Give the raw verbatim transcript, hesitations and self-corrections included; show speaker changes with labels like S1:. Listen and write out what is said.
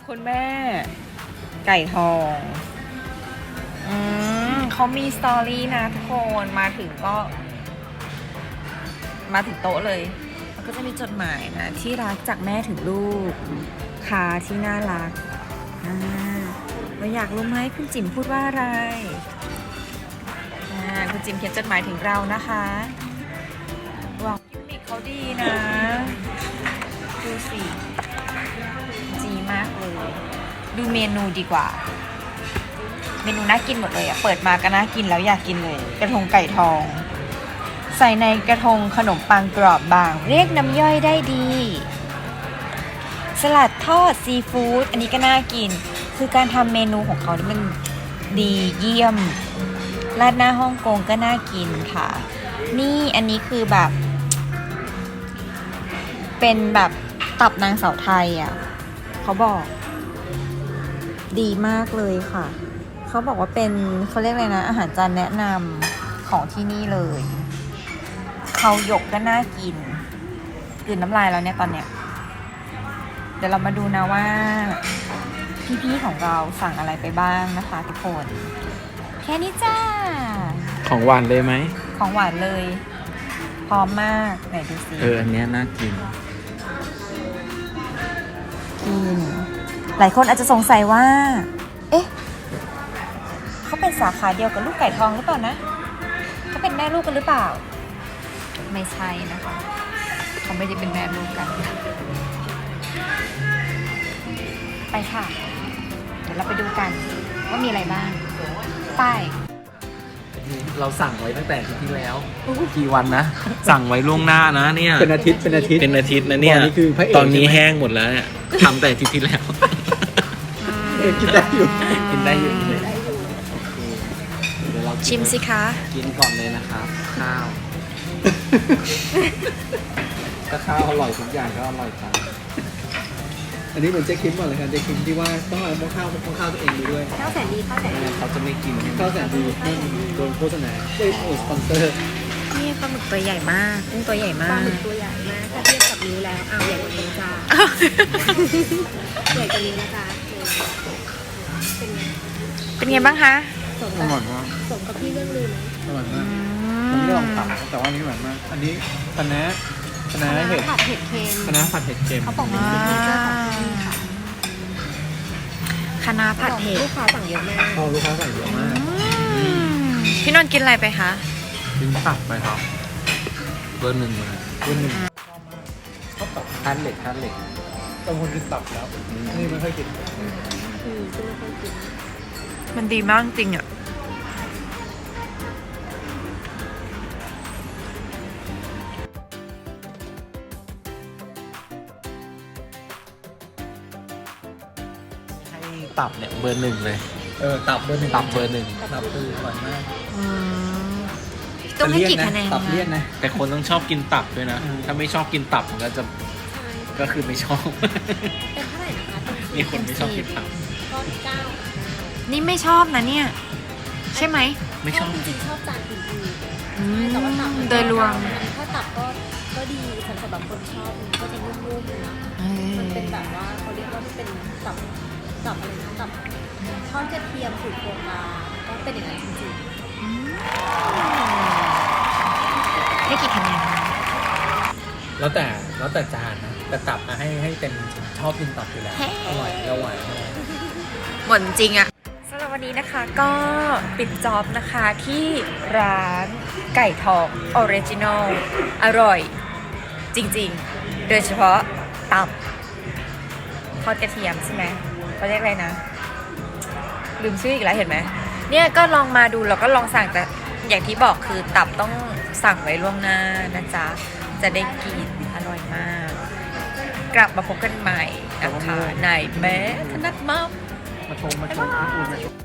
S1: คุณแม่ ไก่ทอง อืมเขามีสตอรี่นะทุกคนมาถึงก็ มาถึงโต๊ะเลยมันก็จะมีจดหมายนะที่รักจากแม่ถึงลูกคาที่น่ารักอ่าเราอยากรู้ไหมคุณจิ๋มพูดว่าอะไรอ่าคุณจิ๋มเขียนจดหมายถึงเรานะคะว้าวกิมมิคเขาดีนะ ดูสิจีมากเลย ดูเมนูดีกว่า เมนูน่ากินหมดเลยอะเปิดมาก็น่ากินแล้วอยากกินเลย กระทงไก่ทอง ใส่ในกระทงขนมปังกรอบบาง เรียกน้ำย่อยได้ดี สลัดทอดซีฟู้ดอันนี้ก็น่ากิน คือการทำเมนูของเขานี่มันดีเยี่ยมราดหน้าฮ่องกงก็น่ากินค่ะ นี่อันนี้คือแบบ เป็นแบบตับนางสาวไทยอ่ะเขาบอก ดีมากเลยค่ะเขาบอกว่าเป็นเขาเรียกอะไรนะอาหารจานแนะนำของที่นี่เลยเขาหยกก็น่ากินกลืนน้ำลายแล้วเนี่ยตอนเนี้ยเดี๋ยวเรามาดูนะว่าพี่ๆของเราสั่งอะไรไปบ้างนะคะทุกคนแค่นี้จ้า
S2: ของหวานเลยไหม
S1: ของหวานเลย พร้อมมากไหนดูสิ
S2: เอออันเนี้ยน่ากิน
S1: กินหลายคนอาจจะสงสัยว่า เอ๊ะเขาเป็นสาขาเดียวกับลูกไก่ทองหรือเปล่านะเขาเป็นแม่ลูกกันหรือเปล่า ไม่ใช่นะคะเขาไม่ได้เป็นแม่ลูกกันไปค่ะ เดี๋ยวเราไปดูกันว่ามีอะไรบ้างไป
S2: เราสั่งไว้ตั้งแต่อาทิตย์ที่แล้วกี่วันนะ สั่งไว้ล่วงหน้านะเนี่ย
S3: เป็นอาทิตย์เป็นอาทิตย์
S2: เป็นอาทิตย์นะเนี่ย
S3: ตอนนี้คือพระเอก
S2: ตอนนี้
S3: ใช่ไหม
S2: แห้งหมดแล้วเนี่ยทำแต่อาทิตย์ที่แล้ว
S3: เอกกินได้อยู่
S2: กินได้อยู่กินได้อยู่เดี๋ยวเรากิน
S1: ชิมสิคะ
S2: กินก่อนเลยนะครับ ข้าว ถ้าข้าวอร่อยทุกอย่างก็อร่อยครับ
S3: อันนี้เหมือนเจ๊คิมก่อนเลยครับเจ๊คิมที่ว่าต้องเอาหม้อข้าวหม้อข้าวตัวเองดูด้วย
S4: ข้าวแสนดีข้าวแสน
S2: ไม่
S4: ดี
S2: งั้นเขาจะไม่กิน
S3: ข้าวแสนดีนั่นโดนโฆษณาเอ้ยโดนสปอนเซอร์
S1: นี่ปลาหมึกตัวใหญ่มากกุ้งตัวใหญ่
S4: ป
S1: มา
S4: ลาก หมึกตัวใหญ่มากถ้าเทียบกับนิ้วแล้วเอาใหญ่กว่านิ้วจ้าใหญ่กว่านิ้วนะจ๊ะเป็นไง
S1: เป็นไงบ้างคะ
S4: สม
S3: อ
S4: กับ
S3: ร่อยมาก
S4: สมกับที่เรื่องลือไหม
S3: อร่อยมากผมไม่ได้ลองทำแต่ว่าอันนี้อร่อยมาก อันนี้คะน้าคะน้าเห็ด
S4: ผัดเห็ดเค็ม
S3: คะน้าผัดเห็ดเค็ม
S4: เขาบอกเป็นซิกเนเจอร์ของที่นี่ค่ะ
S1: คะน้าผัดเห็ด
S4: ลูกค้าสั่งเยอะมาก
S3: พอลูกค้าใส่เยอะมาก
S1: พี่นนท์กินอะไรไปคะ
S2: กินตับไปครับเบอร์หนึ่งเลย
S3: วันหนึ่ง
S2: ทานเหล็กทานเหล็ก
S3: บางคนกินตับแล้ว นี่ไม่ค่อยกิน
S4: อืมซึ่งไม่ค่อยกิน
S1: มันดีมากจริงอ่ะ
S2: ให้ตับเนี่ยเบอร์หนึ่งเลย
S3: เออตับเบอร์หนึ่ง
S2: ตับเบอร์หนึ่ง
S3: ตับคืออร่อยมาก
S1: ต้องให้กี่คะแนน
S3: ตับเลี่ยนนะ
S2: แต่คนต้องชอบกินตับด้วยนะ
S3: อืม
S2: ถ้าไม่ชอบกินตับมันก็จะ
S4: ใช่
S2: ก็คือไม่ชอบ
S4: เป็นเท่าไหร่นะคะเป็น
S2: มีคนไม่ชอบกินตับ
S4: ก้อนเก้า
S1: นี่ไม่ชอบนะเนี่ย ใช่ไหม
S2: ไม่ชอบ
S4: จริงๆชอบจานอื่นๆ
S1: อืม
S4: แต่ว่าตับมัน
S1: โดยรวม
S4: ถ้าตับก็ก็ดีสำหรับคนชอบมันก็จะนุ่มๆนะ มันเป็นแบบว่าเขาเรียกว่าเป็นตับตับอะไรนะตับทอดกระเทียมสูตรโบราณก็เป็นอย่างนั้นจริง
S1: ให้กี่คะแนนคะ
S3: แล้วแต่แล้วแต่จานนะแต่ตับมาให้ให้เต็มชอบกินตับอยู่แล้วอร่อยแล้วหวานมาก
S1: หมดจริงอะสำหรับวันนี้นะคะก็ปิดจ็อบนะคะที่ร้านไก่ทองออริจินอลอร่อย จริงๆ โดยเฉพาะตับทอดกระเทียมใช่ไหมเขาเรียกอะไรนะ ลืมชื่ออีกแล้วเห็นไหมเนี่ยก็ลองมาดูแล้วก็ลองสั่งแต่อย่างที่บอกคือตับต้องสั่งไว้ล่วงหน้านะจ๊ะ จะได้กินอร่อยมาก กลับมาพบกันใหม่นะคะในแม้ธนัดมัม
S3: มาชมมาชมที่อื่น